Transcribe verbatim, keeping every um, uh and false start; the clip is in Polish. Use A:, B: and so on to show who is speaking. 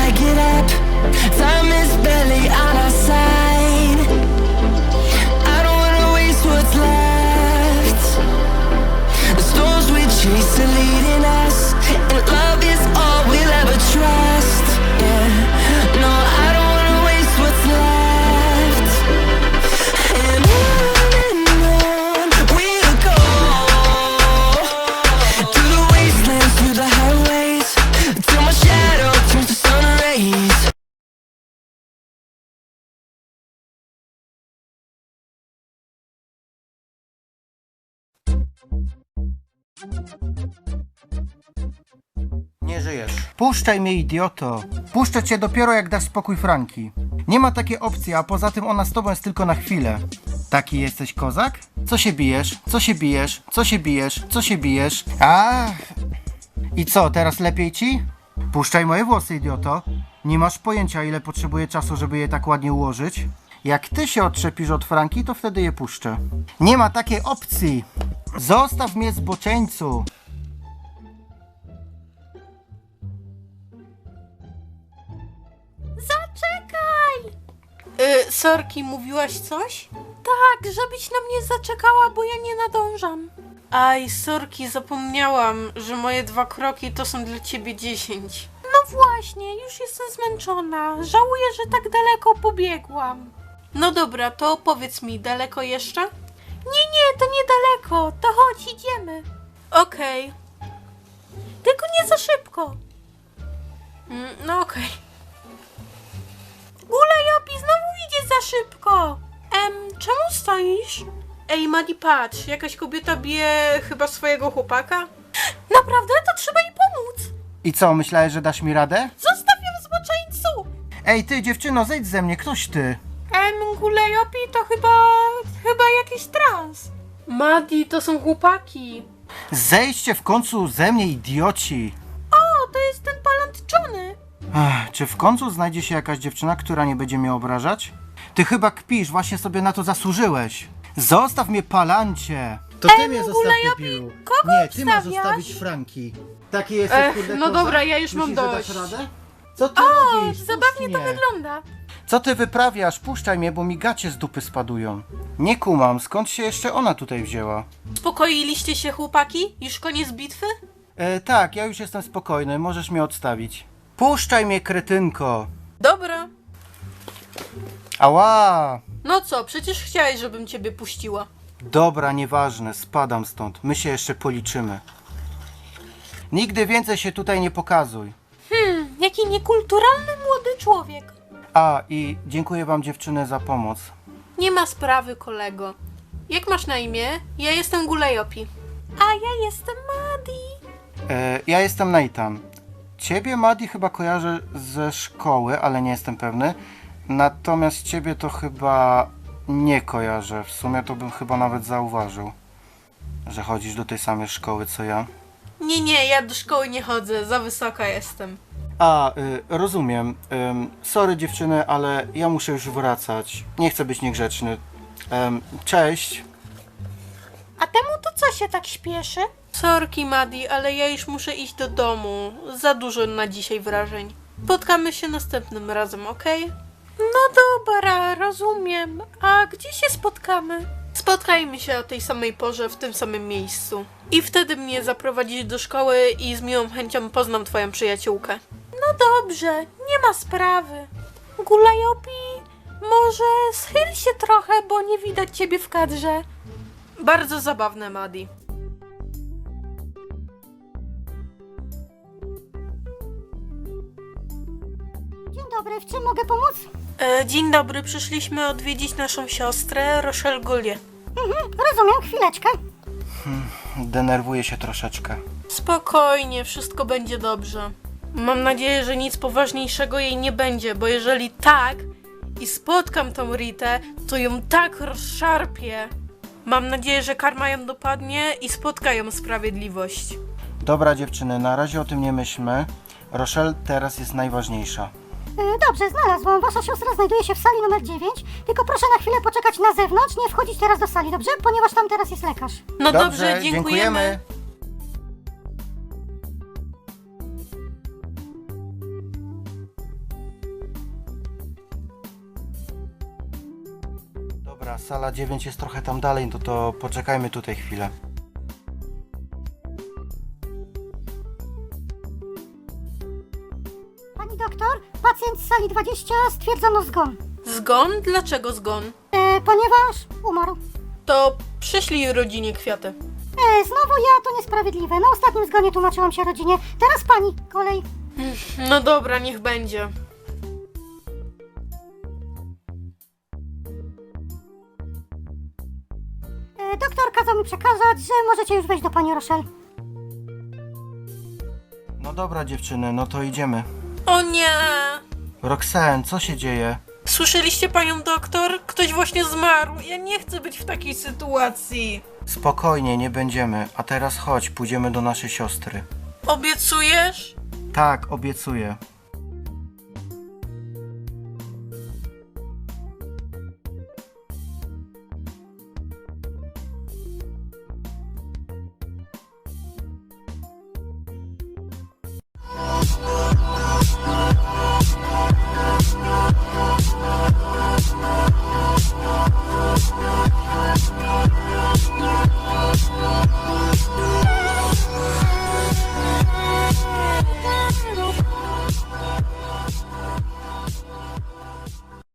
A: I get up. Time is barely on our side. I don't wanna waste what's left. The storms we chase are leading us, and love is all we'll ever trust. Yeah, no, I don't wanna waste what's left. And on and on we'll go, through the wastelands, through the highways, till my shadow turns to sun rays.
B: Nie żyjesz. Puszczaj mnie, idioto. Puszczę cię dopiero jak dasz spokój Franki. Nie ma takiej opcji, a poza tym ona z tobą jest tylko na chwilę. Taki jesteś kozak? Co się bijesz? Co się bijesz? Co się bijesz? Co się bijesz? Ach. I co, teraz lepiej ci? Puszczaj moje włosy, idioto. Nie masz pojęcia, ile potrzebuję czasu, żeby je tak ładnie ułożyć. Jak ty się odczepisz od Franki, to wtedy je puszczę. Nie ma takiej opcji. Zostaw mnie, zboczeńcu.
C: Zaczekaj!
D: Y, sorki, mówiłaś coś?
C: Tak, żebyś na mnie zaczekała, bo ja nie nadążam.
D: Aj, sorki, zapomniałam, że moje dwa kroki to są dla ciebie dziesięć.
C: No właśnie, już jestem zmęczona. Żałuję, że tak daleko pobiegłam.
D: No dobra, to powiedz mi, daleko jeszcze?
C: Nie, nie, to niedaleko. To chodź, idziemy.
D: Okej.
C: Tylko nie za szybko.
D: Mm, no okej.
C: Gulajopi, znowu idzie za szybko. Em, czemu stoisz?
D: Ej, Madi, patrz, jakaś kobieta bije chyba swojego chłopaka?
C: Naprawdę? To trzeba jej pomóc.
B: I co, myślałeś, że dasz mi radę?
C: Zostaw ją, zboczeńcu.
B: Ej, ty dziewczyno, zejdź ze mnie, ktoś ty.
C: Em, Gulajopi to chyba... chyba jakiś trans.
D: Madi, to są chłopaki.
B: Zejdźcie w końcu ze mnie, idioci.
C: O, to jest ten palant Johnny.
B: Ech, czy w końcu znajdzie się jakaś dziewczyna, która nie będzie mnie obrażać? Ty chyba kpisz, właśnie sobie na to zasłużyłeś. Zostaw mnie, palancie. To
C: ty mnie zostaw, debilu. kogo
B: Nie, ty masz
C: obstawiasz?
B: zostawić Franki. Taki jesteś,
D: Ech,
B: kurde,
D: no
B: kozak?
D: dobra, ja już mam
B: Myślisz, że dasz
D: dość.
B: radę? Co ty
C: O,
B: robisz?
C: zabawnie
B: Puść
C: to
B: mnie.
C: wygląda.
B: Co ty wyprawiasz? Puszczaj mnie, bo mi gacie z dupy spadują. Nie kumam, skąd się jeszcze ona tutaj wzięła?
D: Uspokoiliście się, chłopaki? Już koniec bitwy?
B: E, tak, ja już jestem spokojny, możesz mnie odstawić. Puszczaj mnie, kretynko.
D: Dobra.
B: Ała!
D: No co, przecież chciałeś, żebym ciebie puściła.
B: Dobra, nieważne, spadam stąd. My się jeszcze policzymy. Nigdy więcej się tutaj nie pokazuj.
C: Hmm, jaki niekulturalny młody człowiek.
B: A, i dziękuję wam, dziewczyny, za pomoc.
D: Nie ma sprawy, kolego. Jak masz na imię? Ja jestem Gulajopi.
C: A ja jestem Madi.
B: E, ja jestem Nathan. Ciebie, Madi, chyba kojarzę ze szkoły, ale nie jestem pewny. Natomiast ciebie to chyba nie kojarzę. W sumie to bym chyba nawet zauważył, że chodzisz do tej samej szkoły co ja.
D: Nie, nie, ja do szkoły nie chodzę, za wysoka jestem.
B: A, y, rozumiem. Ym, sorry dziewczyny, ale ja muszę już wracać. Nie chcę być niegrzeczny. Ym, cześć.
C: A temu to co się tak śpieszy?
D: Sorki, Madi, ale ja już muszę iść do domu. Za dużo na dzisiaj wrażeń. Spotkamy się następnym razem, okej?
C: No dobra, rozumiem. A gdzie się spotkamy?
D: Spotkajmy się o tej samej porze, w tym samym miejscu. I wtedy mnie zaprowadzisz do szkoły i z miłą chęcią poznam twoją przyjaciółkę.
C: No dobrze, nie ma sprawy. Gulajopi, może schyl się trochę, bo nie widać ciebie w kadrze.
D: Bardzo zabawne, Madi.
C: Dzień dobry, w czym mogę pomóc?
D: E, dzień dobry, przyszliśmy odwiedzić naszą siostrę, Rochelle Gullier.
C: Mhm, rozumiem, chwileczkę.
B: Denerwuję się troszeczkę.
D: Spokojnie, wszystko będzie dobrze. Mam nadzieję, że nic poważniejszego jej nie będzie, bo jeżeli tak i spotkam tą Ritę, to ją tak rozszarpię. Mam nadzieję, że karma ją dopadnie i spotka ją sprawiedliwość.
B: Dobra dziewczyny, na razie o tym nie myślmy. Rochelle teraz jest najważniejsza.
C: Dobrze, znalazłam. Wasza siostra znajduje się w sali numer dziewięć. Tylko proszę na chwilę poczekać na zewnątrz, nie wchodzić teraz do sali, dobrze? Ponieważ tam teraz jest lekarz.
D: No dobrze, dziękujemy.
B: Dobra, sala dziewięć jest trochę tam dalej, no to poczekajmy tutaj chwilę.
E: Pani doktor, pacjent z sali dwadzieścia stwierdzono zgon,
D: Zgon? Dlaczego zgon?
E: e, ponieważ umarł.
D: To przyślij rodzinie kwiaty.
E: E, znowu ja, to niesprawiedliwe. Na ostatnim zgonie tłumaczyłam się rodzinie. Teraz pani kolej.
D: No dobra, niech będzie.
E: E, doktor kazał mi przekazać, że możecie już wejść do pani Rochelle.
B: No dobra dziewczyny, no to idziemy.
D: O nie!
B: Roxanne, co się dzieje?
D: Słyszeliście panią doktor? Ktoś właśnie zmarł. Ja nie chcę być w takiej sytuacji.
B: Spokojnie, nie będziemy. A teraz chodź, pójdziemy do naszej siostry.
D: Obiecujesz?
B: Tak, obiecuję.